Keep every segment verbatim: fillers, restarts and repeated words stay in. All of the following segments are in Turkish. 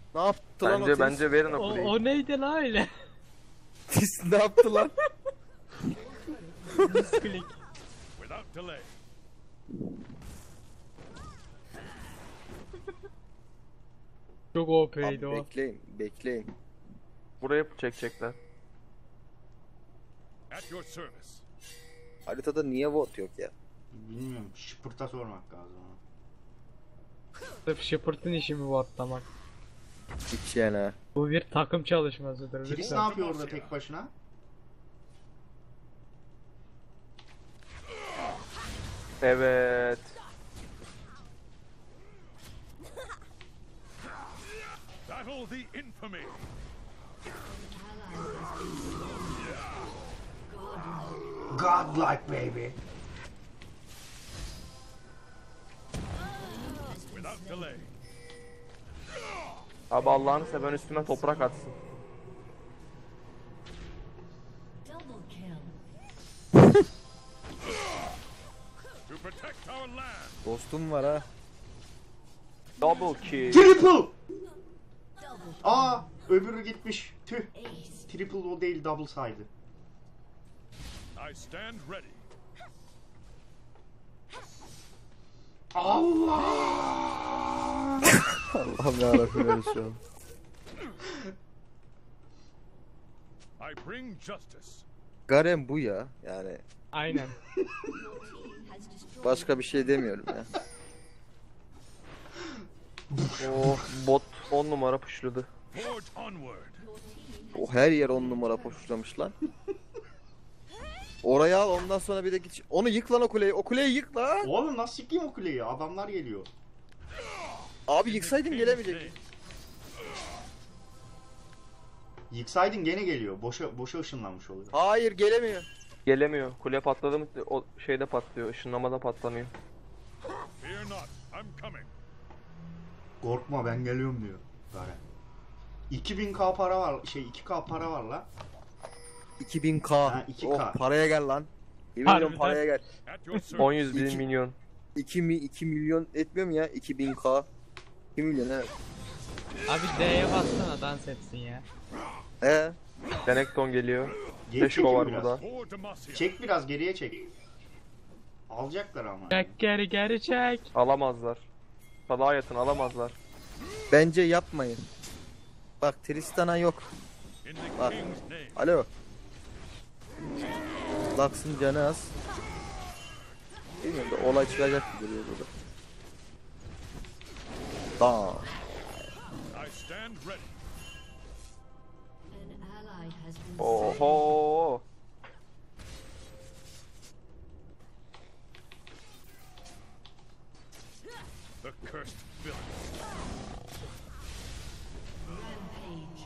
Ne yaptı lan o Bence Tis? bence verin o O, kuleyi. o neydi la öyle? Tis ne yaptı lan? Misklik. Without delay. Çok Abi O P'ydi o. bekleyin, bekleyin. Buraya çekecekler. At your service. Haritada niye bot yok ya? Bilmiyorum. Şıpırta sormak lazım ona. Sırf Shepard'ın işi mi bu atlamak? Hiç yani ha. Bu bir takım çalışmasıdır Tris ne lütfen. yapıyor orada tek başına? Evet. Battle the infamy. Godlike baby. Without delay. Abi Allah'ını seven üstüme toprak atsın. Double kill. To protect our land. Dostum var ha. Double kill. Triple! Aa, öbürü gitmiş. Tüh. Triple o değil, double saydı. I stand ready. Allah! Allah'ım yarabbim öyle şu an. I bring justice. Garen bu ya. Yani Aynen. başka bir şey demiyorum ya. Oh, bot on numara puşladı. Forge onward. O her yer on numara poşlamış lan. Oraya al, ondan sonra bir de git. Onu yık lan o kuleyi. O kuleyi yık lan. Oğlum nasıl yıkayım o kuleyi? Adamlar geliyor. Abi yıksaydın gelemeyecek. Yıksaydın gene geliyor. Boşa boşa ışınlanmış oluyor. Hayır gelemiyor. Gelemiyor. Kule patladı mı o şeyde patlıyor. Işınlamada patlamıyor. Fear not. I'm coming. Korkma ben geliyorum diyor. Garen. iki bin K para var. Şey iki K para var la. iki bin K. Ha, iki K. Oh, paraya gel lan. Yemin Harbiden. ediyorum paraya gel. At your service. on yüz bin İki- milyon. iki mi iki milyon etmiyor mu ya? iki bin K. iki milyon evet. Abi D'ye bassana dans etsin ya. He. Denekton geliyor. Geri Beş çekin ko var biraz. burada. For Demacia. Çek biraz geriye çek. Alacaklar ama. Çek geri geri çek. Alamazlar. Salağa yatın alamazlar. Bence yapmayın. Bak Tristan'a yok. In the Bak. king's name. Alo. Lux'ın canı az. Bilmiyorum da olay çıkacak gibi duruyor burada. Tamam. I stand ready. An ally has been Oho. The cursed villain. rampage.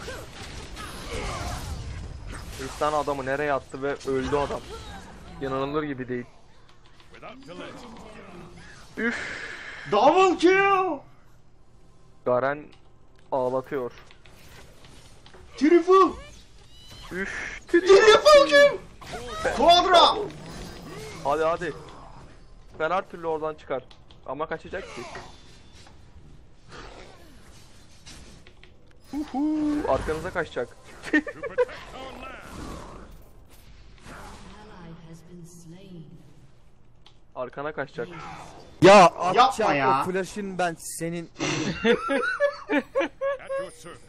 Tristan adamı nereye attı ve öldü adam. İnanılır gibi değil. Without delay. Üf. Double kill! Garen ağlatıyor. Triple! Üf. Triple kill! Quadra! Hadi hadi. Ben her türlü oradan çıkar. Ama kaçacak ki. Uhu, arkanıza kaçacak. To protect our land. Ally has been slain. Arkana kaçacak. Ya atacağım Yapma ya. o flash'ın ben senin. At your service.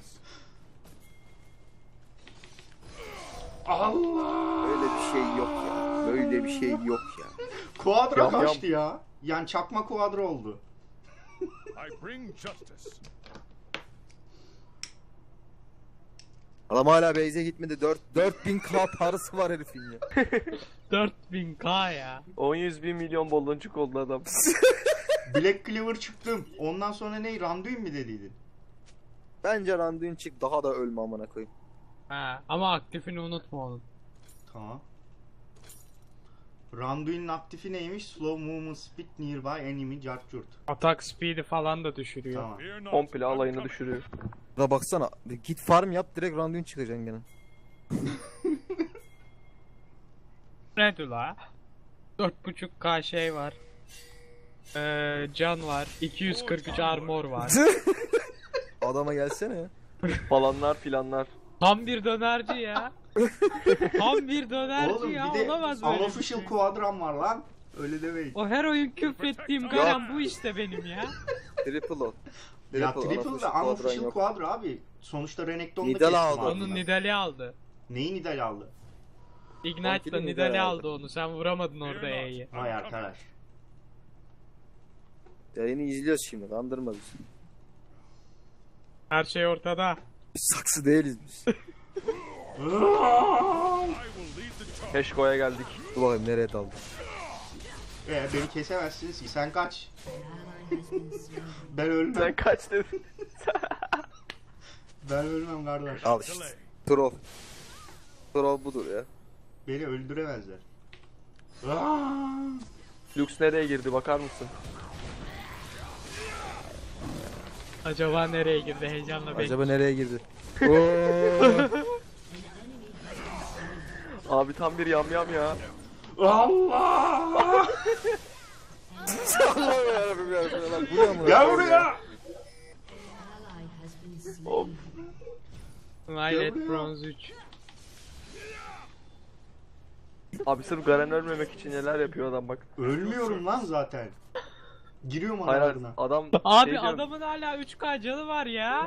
Allah! Böyle bir şey yok ya. Böyle bir şey yok ya. Quadra Yam yam. kaçtı ya. Yani çakma quadra oldu. I bring justice. Adam hala base'e gitmedi. dört bin K parası var herifin ya. dört bin K ya. on yüz bin milyon baloncuk oldu adam. Black Clover çıktım. Ondan sonra ne? Randuin mi dediydin? Bence Randuin çık daha da ölme amına koyayım. Ha, ama aktifini unutma onun. Tamam. Randuin'in aktifi neymiş? Slow movement speed nearby enemy charged. Atak speed'i falan da düşürüyor. Tamam. Fear not. Komple I'm alayını coming. düşürüyor. Da baksana. Git farm yap direkt Randuin çıkacaksın gene. Ne diyor la? dört buçuk K şey var. Ee, can var. iki yüz kırk üç armor var. Adama gelsene ya. Falanlar filanlar. Tam bir dönerci ya. Tam bir dönerci Oğlum ya. bir de Olamaz böyle bir unofficial şey. quadram var lan. Öyle demeyin. O her oyun küfrettiğim Garen bu işte benim ya. Triple o. Ya triple unofficial ve quadran unofficial yok. quadra abi. Sonuçta Renekton'da Nidal kestim aldı. abi. Onun Nidal'i aldı. Neyi Nidal aldı? Ignite'la Onkili Nidal'i Nidal aldı onu. Sen vuramadın orada E'yi. Vay arkadaş. Yayını izliyoruz şimdi, kandırma bizi. Her şey ortada. Biz saksı değiliz biz. I will lead the charge. Keşko'ya geldik. Dur bakayım nereye daldı. Ee, beni kesemezsiniz ki. Sen kaç. An ally has been slain. Ben ölmem. Sen kaç dedin? Ben ölmem kardeş. Al işte. Troll. Troll budur ya. Beni öldüremezler. Aa! Lux nereye girdi bakar mısın? Acaba nereye girdi heyecanla bekliyorum. Acaba nereye girdi? Oo. Abi tam bir yamyam ya. Allah! Allah'ım yarabbim yarabbim. Lan bu ne amına Gel koyayım buraya! Ally has been slain. Violet Bronze üç. Abi sırf Garen ölmemek için neler yapıyor adam bak. Ölmüyorum lan zaten. Giriyorum Hayır hayır, aralarına. adam Abi şey diyorum, adamın hala üç K canı var ya.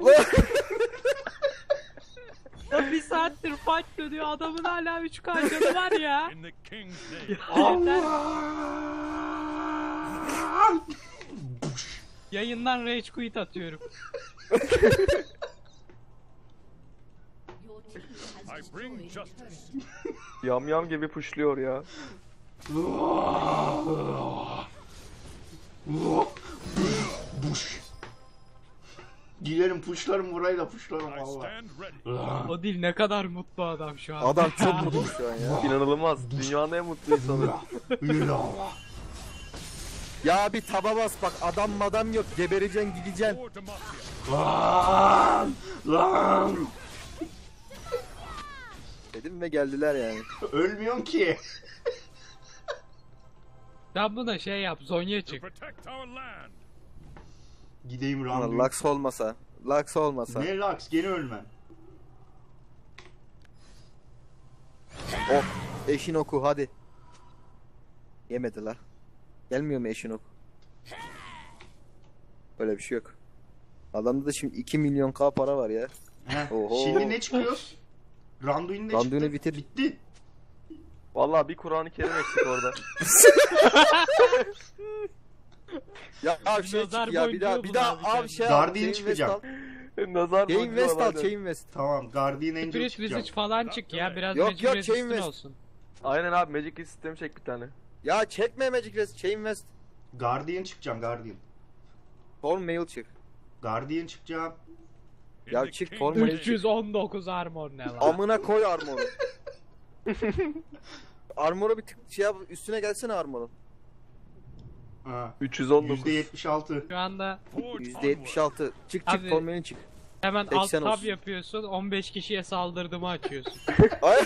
Ya bir saattir fight dönüyor adamın hala üç K canı var ya. In the king's name. Yeter. Allah! Yayından rage quit atıyorum. Your team has I bring destroyed a justice. turret. yamyam gibi pushluyor ya. Buş. Giderim puşlarım burayı da puşlarım I valla. stand ready. O değil ne kadar mutlu adam şu an. Adam çok mutlu şu an ya. İnanılmaz. Dünyanın en mutlu insanı. Ya bir taba bas bak, adam madam yok, gebereceksin gideceksin. For Demacia. Lan! Lan! Dedim ve geldiler yani. Ölmüyorsun ki. Sen buna şey yap Zonya To çık. protect our land. Gideyim Ulan randevu. Lux olmasa. Lux olmasa. Ne Lux? Gene ölmem. Oh. Eşin oku hadi. Yemediler. Gelmiyor mu eşin oku? Öyle bir şey yok. Adamda da şimdi iki milyon k para var ya. Heh. Oho. Şimdi ne çıkıyor? Randuin ne Randuin'i çıktı? bitir. Bitti. Vallahi bir Kur'an-ı Kerim eksik orada. Ya abi şey Nazar çık ya bir daha boncuğu bir daha bul abi abi şey al. Guardian Chain çıkacak. West al. Nazar Chain boncuğu West al, var. Chain West. Tamam Guardian Angel Spirit çıkacak. Visage falan çık ya biraz Yok, Magic yok, Resist'in Chain West. olsun. Aynen abi Magic sistemi çek bir tane. Ya çekme Magic Rest, Chain West. Guardian çıkacağım Guardian. Storm Mail çık. Guardian çıkacağım. In Ya the çık, king's forma- name. üç yüz on dokuz armor ne lan? Amına koy armoru. Armoru bir tık şey yap, üstüne gelsene armoru. Ha. üç yüz on dokuz. yüzde yetmiş altı. Şu anda Forge yüzde yetmiş altı. Çık çık Abi- Storm Mail'in çık. hemen alt seksen tab olsun. yapıyorsun on beş kişiye saldırdığımı açıyorsun. Ay.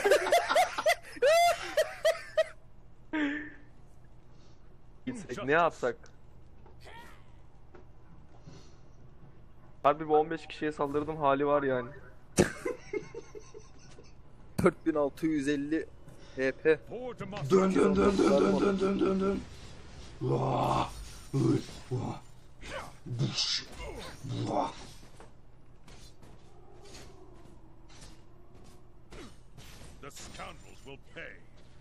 Gitsek ne yapsak? Harbi bu on beş kişiye saldırdım hali var yani. dört bin altı yüz elli H P. For Demacia. Dön dön dön dön dön dön dön dön dön. Vah! Uy, vah! Buş! Vah! The scoundrels will pay.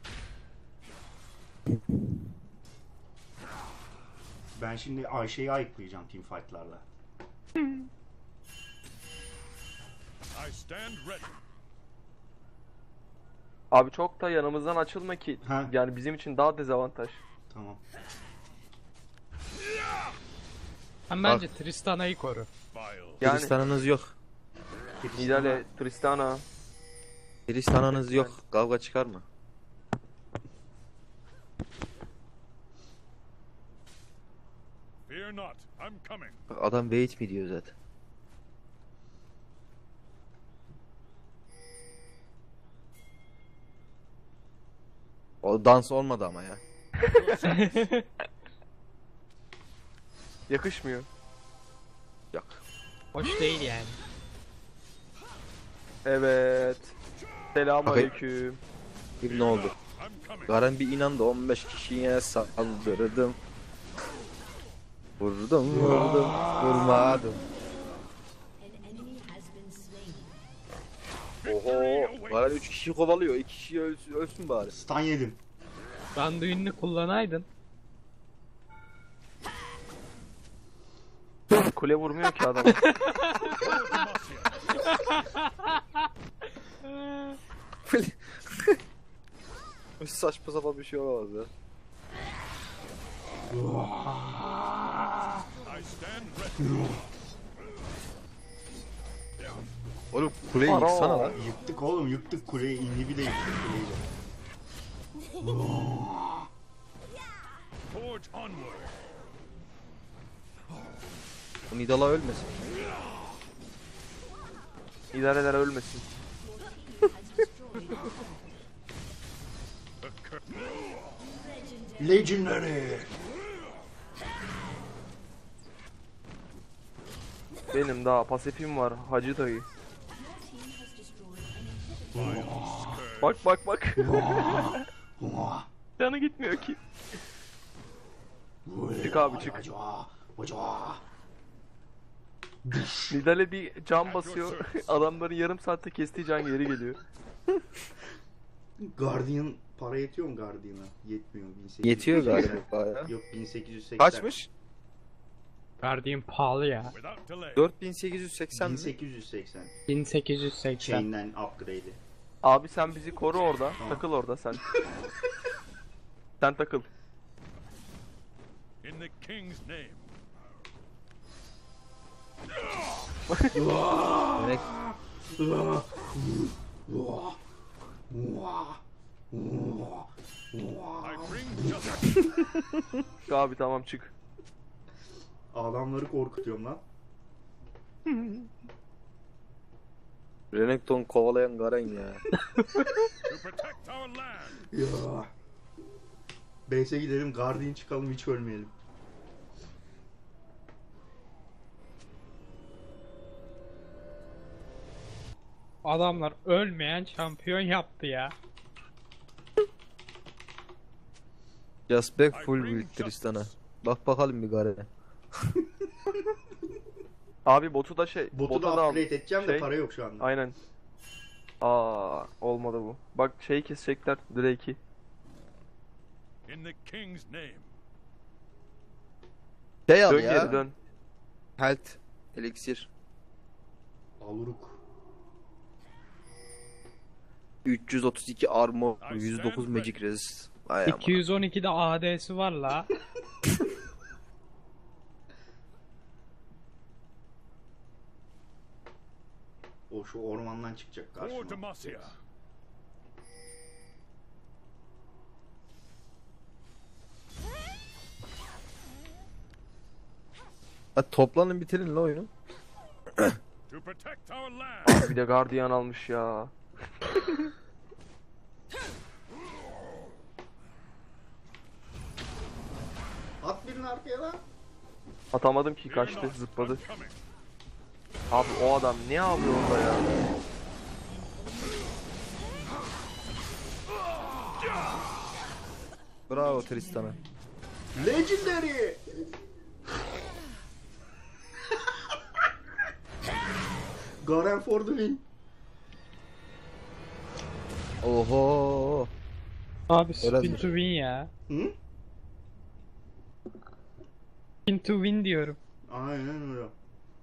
Ben şimdi Ayşe'yi ayıklayacağım teamfight'larla. I stand ready. Abi çok da yanımızdan açılma ki. Ha. Yani bizim için daha dezavantaj. Tamam. Sen bence Tristana'yı koru. Vile. Yani Tristan'ınız yok. Nidale, Tristana. Tristan'ınız yok. Kavga çıkar mı? Fear not. I'm coming. Bak adam wait mi diyor zaten. O dans olmadı ama ya. Yakışmıyor. Yok. Hoş değil yani. Evet. Selamünaleyküm. Bir ne oldu? I'm coming. Garen bir inandı on beş kişiye saldırdım. Vurdum vurdum vurmadım. An enemy has been slain. Oho. Garen üç kişiyi kovalıyor. iki kişi ölsün, ölsün bari. Stun yedim. Randuin'ini kullanaydın. Kule vurmuyor ki adam. Saçma sapan bir şey olamaz ya. I stand ready. Oğlum kuleyi Ara. yıksana lan. Yıktık oğlum, yıktık kuleyi. İnhibi de yıktık kuleyi de. Forge onward. Bu Nidala ölmesin. İdareler ölmesin. The cur- Legendary. Benim daha pasifim var Hacı dayı. Your team has destroyed an inhibitor. Bak bak bak. Vah. Canı gitmiyor ki. Çık abi, çık. Vacua, vacua. Nidale bir can basıyor. Adamların yarım saatte kestiği can geri geliyor. Guardian para yetiyor mu Guardian'a? Yetmiyor. bin sekiz yüz Yetiyor seksen. galiba bayağı. Yok bin sekiz yüz seksen. Kaçmış? Guardian pahalı ya. Without delay. dört bin sekiz yüz seksen bin mi? sekiz yüz seksen. bin sekiz yüz seksen. Chain'den upgrade'i. Abi sen bizi koru orada. Tamam. Takıl orada sen. Sen takıl. In the king's name. Demek Vah. Vah. Vah. Vah. I bring justice. Abi tamam çık. Adamları korkutuyorum lan. Renekton kovalayan Garen ya. To protect our land. Ya. Base'e gidelim, Guardian çıkalım, hiç ölmeyelim. Adamlar ölmeyen şampiyon yaptı ya. Just back full build Tristan'a. Bak bakalım bir Garen'e. Abi botu da şey. Botu bota da al. upgrade edeceğim de Şey- para yok şu anda. Aynen. Aa olmadı bu. Bak şeyi kesecekler Drake'i. In the king's name. Şey al Dön ya. geri dön. Health. Elixir. Aluruk. üç yüz otuz iki armor. yüz dokuz magic resist. Ay ama. iki yüz on ikide A D'si var la. O şu ormandan çıkacak For karşıma. Demacia. Hadi toplanın bitirin la oyunu. To protect our land. Bir de Guardian almış ya. At birini arkaya lan. Atamadım ki Fear kaçtı not, zıpladı. I'm coming. Abi o adam ne yapıyor orada ya? Bravo Tristan'a. Legendary. Garen for the win. Oho. Abi Öyle spin mi? to win ya. Hı? Spin to win diyorum. Aynen öyle.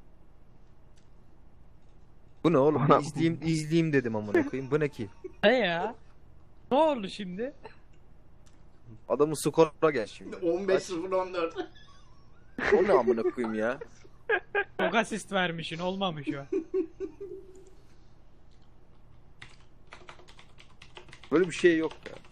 Bu ne oğlum? Bana- izleyeyim izleyeyim dedim amına koyayım. Bu ne ki? He ya. Ne oldu şimdi? Adamın skora gel şimdi. on beş sıfır on dört. O ne amına koyayım ya? Çok asist vermişsin olmamış o. Böyle bir şey yok ya.